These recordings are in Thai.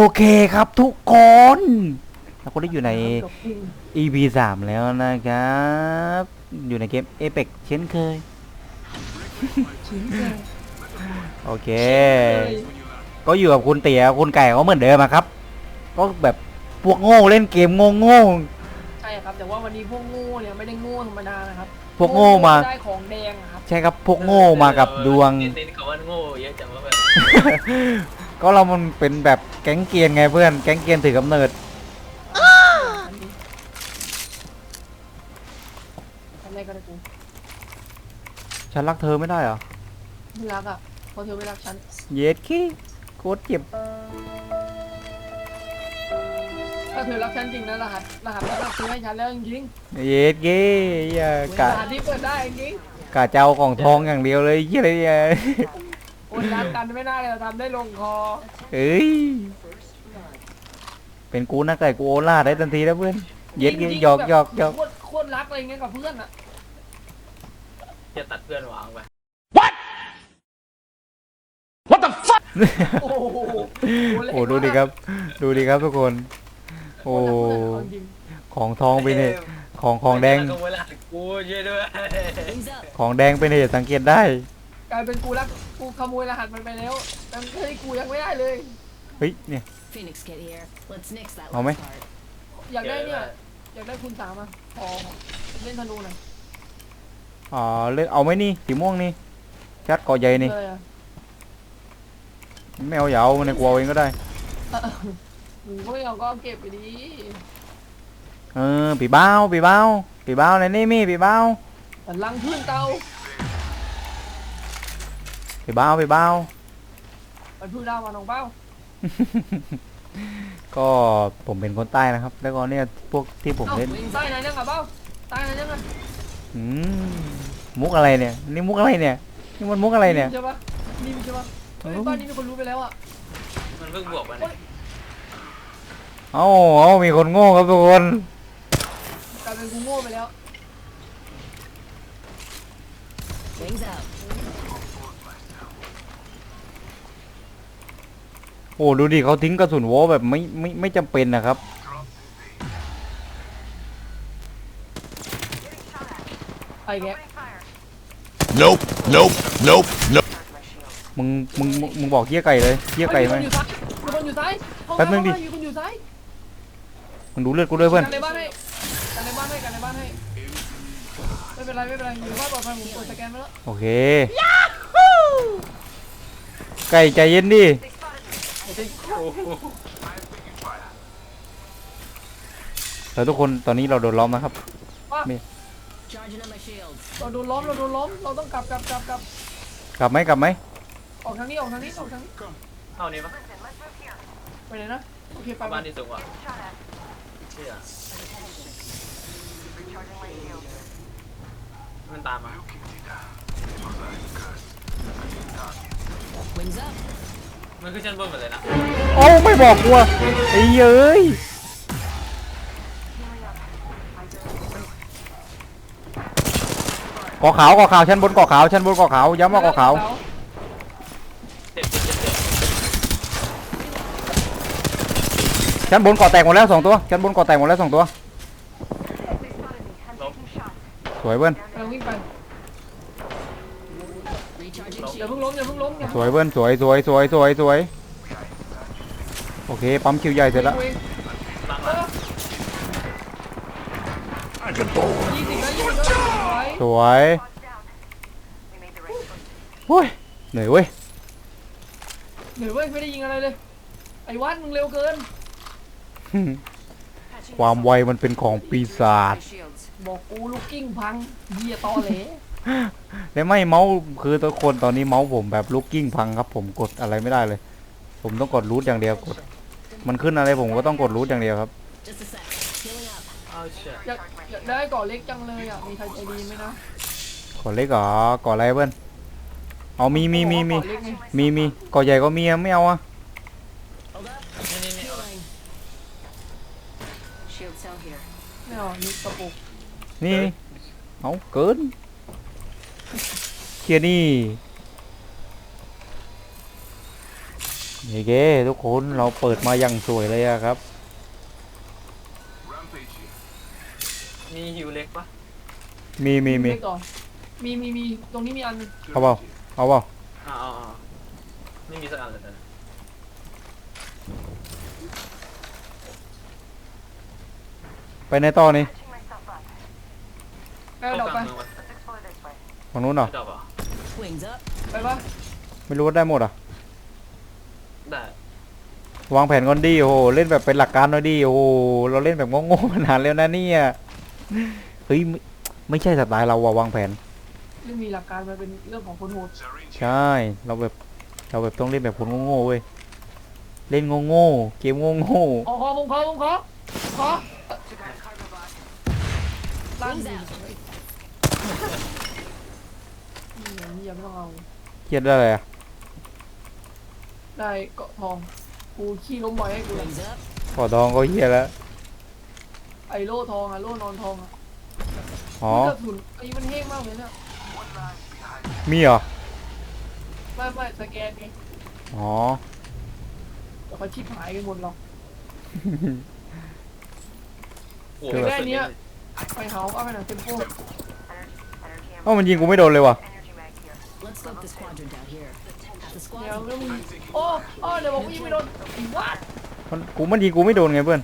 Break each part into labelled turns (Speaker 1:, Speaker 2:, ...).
Speaker 1: เคครับทุกคนเราก็ได้อยู่ใน EP 3แล้วนะครับอยู่ในเกม Apex เช่นเคยโอเคก็อยู่กับคุณเตี๋ยคุณไก่ก็เหมือนเดิมครับก็แบบพวกโง่เล่นเกมโง่
Speaker 2: ใช่ครับแต่ว่าวันนี้พวกโง่เนี่ยไม่ได้โง่ธรรมดานะครับ
Speaker 1: พวกโง่มา
Speaker 2: ได้ของแดงอะครับ
Speaker 1: ใช่ครับพวกโง่มากับดวง
Speaker 3: เน้นคำว่าโง่เยอะจังว่าแบบ
Speaker 1: ก็เรามันเป็นแบบแก๊งเกรียนไงเพื่อนแก๊งเกรียนถือกำเนิด
Speaker 2: ทำอะไรก็ได้กู
Speaker 1: ฉันรักเธอไม่ได้เหรอ
Speaker 2: ไม่รักอ่ะเพราะเธอไม่รักฉัน
Speaker 1: เย็ดขี้โคตรเจ็บ
Speaker 2: ถ้าเธอรักฉันจริงนะรหัสแล้วก็ซื้อให้ฉันแล้วจริง
Speaker 1: เย็ดเก้อย่า
Speaker 2: ๆ
Speaker 1: กะ
Speaker 2: รหัสที่เปิดได้จริง
Speaker 1: กะเจ้าของทองอย่างเดียวเลยยี่อะไรเนี่ย
Speaker 2: ๆคนรักกันไม่น่าจะทำได้ลงคอ
Speaker 1: เอ้ยเป็นกูนะไก่กูโอล่าได้ทันทีแล้วเพื่อนเย็ดเก้หยอกหยอกหยอก
Speaker 2: โคตรรักอะไรเงี้ยกับเพื่อนอ่ะ
Speaker 3: จะตัดเพื่อนวางไป
Speaker 2: โอ้โห
Speaker 1: โอ้ดูดิครับดูดิครับทุกคนโอ้ของทองไปเนี่ยของแดง
Speaker 3: ขโมยรหัสกูช่วยด้วย
Speaker 1: ของแดงเป็นเหตุสังเกตได้
Speaker 2: กลายเป็นกูขโมยรหัสมันไปแล้วแต่เฮ้ยกูยังไม่ได้เลย
Speaker 1: เฮ้ยเนี่ย
Speaker 4: Phoenix, get here. Let's nix that
Speaker 1: Oh,
Speaker 4: last
Speaker 1: man.
Speaker 4: part.
Speaker 2: อยากได้เนี่ยอยากได้คุณสามอ่ะขอเล่นธนูหน่อย
Speaker 1: อ๋อเลือกเอาไหมนี่สีม่วงนี่ชัดก่อใหญ่นี่
Speaker 2: เลยอ่ะ
Speaker 1: ไม่เอาอย่าเอาในกลัวเองก็ได้
Speaker 2: หนูก็ไม่เอาก็เก็บไปดี
Speaker 1: เออปีเบ้าในนี่มีปีเบ้า
Speaker 2: แต่ลังพื้นเตา
Speaker 1: ปีเบ้า
Speaker 2: มันพื้นดาวมาน้องเป้า
Speaker 1: ก็ผมเป็นคนใต้นะครับ แล้วก็เนี่ยพวกที่ผมเล่น
Speaker 2: ใต้ไหนยังอ่ะเป้าใต้ไหนยังอ่ะ
Speaker 1: อืมมุกอะไรเนี่ยนี่มุกอะไรเนี่ยนี่มันมุกอะไรเนี่ย
Speaker 2: ใช่ปะนี่ใช่ปะเฮ้ยบ้านนี้มีคนรู้ไปแล้วอ่ะ
Speaker 3: มันเพิ่งบวกมัน
Speaker 1: เอามีคนโง่ครับทุกคน
Speaker 2: กลายเป็นกูโง่ไปแล้ว
Speaker 4: Wings out.
Speaker 1: โอ้ดูดิเขาทิ้งกระสุนโว้แบบไม่จำเป็นนะครับ
Speaker 2: ไปแก
Speaker 5: Nope, nope, nope, nope.
Speaker 1: มึงบอกเกี้ยไก่เลยเกี้ยไก่ไหม
Speaker 2: มีคนอยู่ซ้าย
Speaker 1: แป๊บนึงดิ
Speaker 2: มีคนอยู่ซ้าย
Speaker 1: มึงดูเลือดกูด้วยเพื่อน
Speaker 2: กันในบ้านให้ไม่เป็นไรอยู่บ้านปลอดภัยผมกดสแกนไปแล้ว
Speaker 1: โอเคไก่ใจเย็นดิแล้วทุกคนตอนนี้เราโดนล้อมนะครับ
Speaker 4: Charging up my shields.
Speaker 2: เราโดนล้อมเราต้องกลับ
Speaker 1: กลับไหม
Speaker 2: ออกทางนี้
Speaker 3: เท่านี้ปะ
Speaker 2: ไปไหนนะโอเคไป
Speaker 3: บ้านที่สูงกว่าเชื่อมันตามมา
Speaker 4: Wings up.
Speaker 3: มันขึ้นชั้นบนหมดเลยนะ
Speaker 1: โอ้ไม่บอกกูอะไอ้เย้ยก่อขาวชั้นบนก่อขาวย้ำว่าก่อขาว
Speaker 3: เจ็บ
Speaker 1: ชั้นบนก่อแตกหมดแล้ว2 ตัวชั้นบนก่อแตกหมดแล้ว2 ตัว
Speaker 3: ล้ม
Speaker 1: สวยเบิ้ล
Speaker 2: เราวิ่งไป
Speaker 4: Recharging
Speaker 2: อย่า
Speaker 4: shield.
Speaker 2: เพิ่งล้มอย่าเพิ่งล้ม
Speaker 1: สวยเบิ้ลสวยโอเคปั๊มคิวใหญ่เสร็จแล้ว
Speaker 3: หลัง
Speaker 2: 20 แล้ว
Speaker 1: สวยโอ้ยเหนื่อยเว้ย
Speaker 2: เหนื่อยเว้ยไม่ได้ยิงอะไรเลยไอ้วัดมึงเร็วเกิน
Speaker 1: ความไวมันเป็นของปีศาจ
Speaker 4: Shields.
Speaker 2: บอกกูลูกกิ้งพังเหี้ยตอเหล
Speaker 1: แล้วไม่เมาส์คือทุกคนตอนนี้เมาส์ผมแบบลูกกิ้งพังครับผมกดอะไรไม่ได้เลย ผมต้องกดรูทอย่างเดียวกดมันขึ้นอะไรผมก็ต้องกดรูทอย่างเดียวครับ
Speaker 4: Just a sec. Healing up.
Speaker 3: เอาเชื่อ
Speaker 2: อยากได้ก่อเล็กจังเลยอ่ะมีใครใจดีไหมนะ
Speaker 1: กดเล็กเหรอกดอะไรเพื่อนเอามี
Speaker 2: ก่อเล็กไง
Speaker 1: มีกดใหญ่ก็มีอะไม่เอาอะ
Speaker 4: Hold up.
Speaker 3: นี่
Speaker 4: Healing. Shield cell here.
Speaker 2: ไม่เอานี่กระปุก
Speaker 1: นี่เอาเกินเคลียร์นี่เย้เก้ทุกคนเราเปิดมาอย่างสวยเลยอะครับ
Speaker 3: มีฮิวเล็กปะ
Speaker 1: มี
Speaker 2: เล็กต่อมีตรงนี้มีอันหนึ่ง
Speaker 1: เอาเปล่าเอาเปล่า
Speaker 3: เอาไม่มีสักอันเลยนะ
Speaker 1: ไปในต่อนี่
Speaker 2: ไปเอาดอกไป
Speaker 3: เมืองวะ
Speaker 1: ฝั่งนู้นเหรอ
Speaker 3: ดอกเหรอ
Speaker 4: Wings up.
Speaker 2: ไปปะ
Speaker 1: ไม่รู้ว่าได้หมดอ่ะ
Speaker 3: ได้
Speaker 1: วางแผนก่อนดีโอ้โหเล่นแบบเป็นหลักการหน่อยดีโอ้โหเราเล่นแบบโง่ๆมานานแล้วนะเนี่ยเฮ้ยไม่ใช่สไตล์เราว่ะวางแผน
Speaker 2: เรื่องมีหลักการมันเป็นเรื่องของคนโหด
Speaker 1: ใช่เราแบบต้องเล่นแบบคนโง่ๆเว้ยเล่นโง่ๆเกมโง่
Speaker 2: ขอผมขอลั่น
Speaker 4: Wings
Speaker 2: ดิ
Speaker 4: out.
Speaker 2: นี่ยังไม่ต้องเอา
Speaker 1: ๆเครียดได้เลยอ่ะ
Speaker 2: ได้เกาะทองกูขี้ล้มบ่อยให้กูเลย
Speaker 4: Wings up.
Speaker 1: ขอทองก็เฮียแล้ว
Speaker 2: ไอ้โล่ทองอะโล่นอนทองอะ
Speaker 1: อ๋อ
Speaker 2: กระสุนไอ้มันแห้งมากเลยเนี่ย
Speaker 1: มีเหรอ
Speaker 2: ไม่สแกนไง
Speaker 1: อ๋อ
Speaker 2: แต่เขาชิบหายกันหมดหรอก
Speaker 3: โอ้
Speaker 1: คือ
Speaker 3: โห
Speaker 1: แบบ
Speaker 2: ได้เนี้ยไปเฮาเอาไปหนังเต็มโป้
Speaker 1: เอ้ามันยิงกูไม่โดนเลยว่ะ
Speaker 4: Let's scope this quadrant out here. Half the
Speaker 2: เดี๋ยว
Speaker 4: squad's
Speaker 2: แล้วมึงโอ้เดี๋ยวบอกว่ายิงไม่โดนอีวัด
Speaker 1: มันยิงกูไม่โดนไงเพื่อน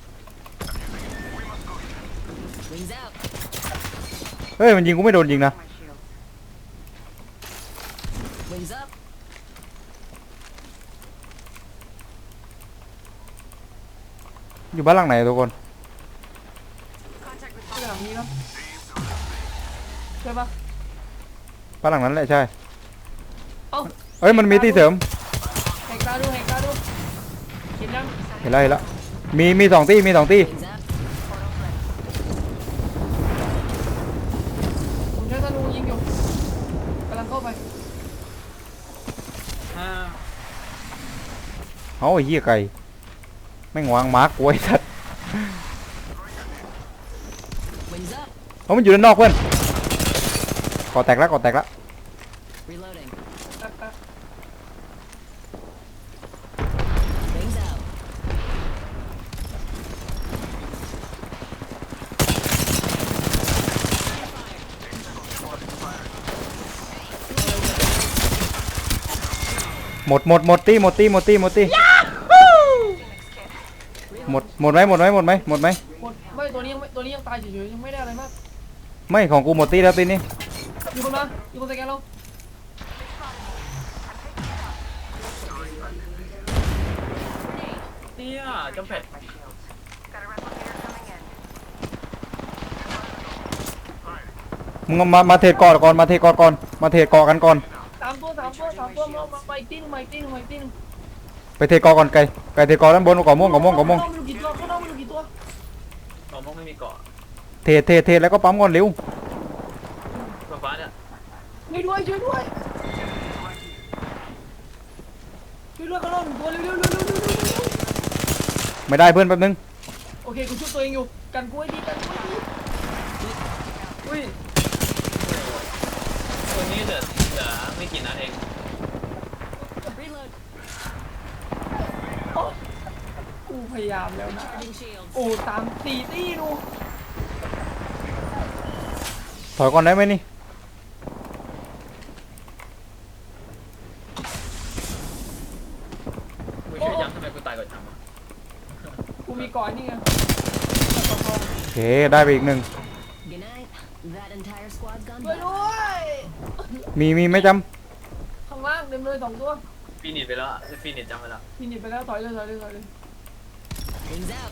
Speaker 4: wings out.
Speaker 1: เฮ้ยมันยิงกูไม่โดนจริงนะ
Speaker 4: Wings up.
Speaker 1: อยู่บ้านหลังไหนทุกคน
Speaker 2: ไปหลังนี้ครับใช่ปะ
Speaker 1: บ้านหลังนั้นแหละใช่
Speaker 2: เอ้า
Speaker 1: เอ้ยมันมีที่เสริม
Speaker 2: แหกตาดูเห็นยัง
Speaker 1: เห็นแล้วมีสองที่
Speaker 4: Wings up.
Speaker 2: ผมใช้ธนูยิงอยู่กำลังเข้าไป
Speaker 3: อ่า
Speaker 1: เอาไอ้เหี้ยไก่แม่งวางมาร์กกูไอ้สัตว์
Speaker 4: Wings up.
Speaker 1: เอามันอยู่ด้านนอกเพื่อนก่อแตกแล้ว
Speaker 4: Reloading.
Speaker 2: แป๊บ
Speaker 4: Wings out.
Speaker 1: หมดตีหมดไหม
Speaker 2: หมดไม่ตัวนี้ยังตายเฉยๆยังไม่ได้อะไรมาก
Speaker 1: ไม่ของกูหมดตีแล้วตีนี้
Speaker 2: มีคนมามีคนสแกนเรา
Speaker 3: เนี่ยจำแพด
Speaker 1: มึงเอามาเทรดก่อนมาเทรดก่อนกันก่อน
Speaker 2: สามตัวมาอีกที่หนึงมาอีกที่หนึง
Speaker 1: ไปเทรดก่อนไก่เทรดก่อนด้านบนก่อม่วง
Speaker 2: ข้างนอกไม่รู้กี่ตัว
Speaker 3: ต่อมกไม่มีเกาะ
Speaker 1: เทรดแล้วก็ปั๊มก่อนเร็ว
Speaker 3: ฟ้าเนี่ย
Speaker 2: ช่วยด้วยข้างนอกหนึ่งตัวเร็ว
Speaker 1: ไม่ได้เพื่อนแป๊บนึง
Speaker 2: โอเคกูช่วยตัวเองอยู่กันกูให้ดี
Speaker 3: อุ้ยตัวนี้เหลือไม่กี่นัดเอง
Speaker 4: Reload.
Speaker 2: กูพยายามแล้วนะ
Speaker 4: Charging shields.
Speaker 2: โอ้ตามตีตี้ดู
Speaker 1: ถอยก่อนได้ไหมนี่
Speaker 3: กูช่วยย้ำทำไมกูตายก่อนจังวะ
Speaker 2: กูมีก่อนนี่ไง
Speaker 1: โอเคได้ไปอีกหนึ่ง
Speaker 4: Good night. That entire squad's gone
Speaker 2: ช่วย
Speaker 4: down.
Speaker 2: ด้วย
Speaker 1: มีไม่จ
Speaker 2: ข้างล่างเต็มเลย2ตัว
Speaker 3: ฟีนิชไปแล้วฟีนิชจำไปแล้ว
Speaker 2: พินิจไปแล้วถอยเลย
Speaker 4: Wings out.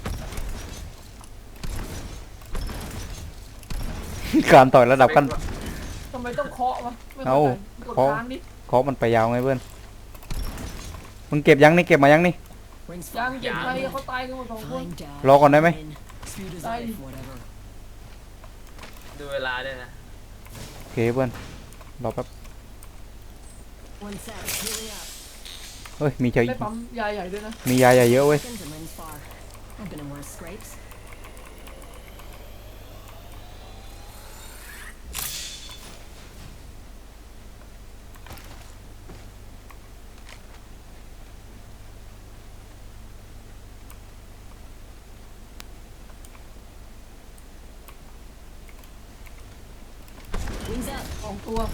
Speaker 1: ำ การต่อยระดับกัน
Speaker 2: ทำไมต้องเคาะวะไม่
Speaker 1: เอา
Speaker 2: เข้าใจกด
Speaker 1: เคาะ
Speaker 2: ค้างดิ
Speaker 1: เคาะมันไปยาวไงเพื่อนมึงเก็บยังนี่เก็บมายังนี่
Speaker 4: Rings
Speaker 2: ยัง
Speaker 4: far.
Speaker 2: เก็บใครเขาตายกันหมด2คน
Speaker 4: Fine, Dad.
Speaker 1: รอก่อนได้ไหม
Speaker 4: Speed is
Speaker 2: Dai.
Speaker 4: life, whatever.
Speaker 3: ดูเวลาด้วยนะ
Speaker 1: โอเคเพื่อนรอแป๊บ
Speaker 4: One sec. Healing up.
Speaker 1: เฮ้ยมีเฉย
Speaker 2: ได้ปั๊มยาใหญ่ด้วยนะ
Speaker 1: มียาใหญ่เยอะเว้ย
Speaker 4: Skins and rings far. I've been in worse scrapes.
Speaker 2: 2 ตัว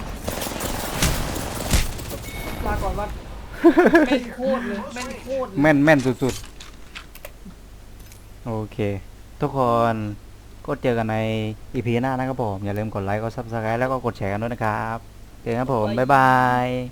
Speaker 2: ลาก่อนวัดแม่นโคตรเลยแม่นโคตรเลย
Speaker 1: แม่นแม่นสุดๆ โอเค ทุกคนก็เจอกันในอีพีหน้านะครับผม อย่าลืมกดไลค์กดซับสไครต์แล้วก็กดแชร์กันด้วยนะครับเจอกันครับผม บ๊ายบาย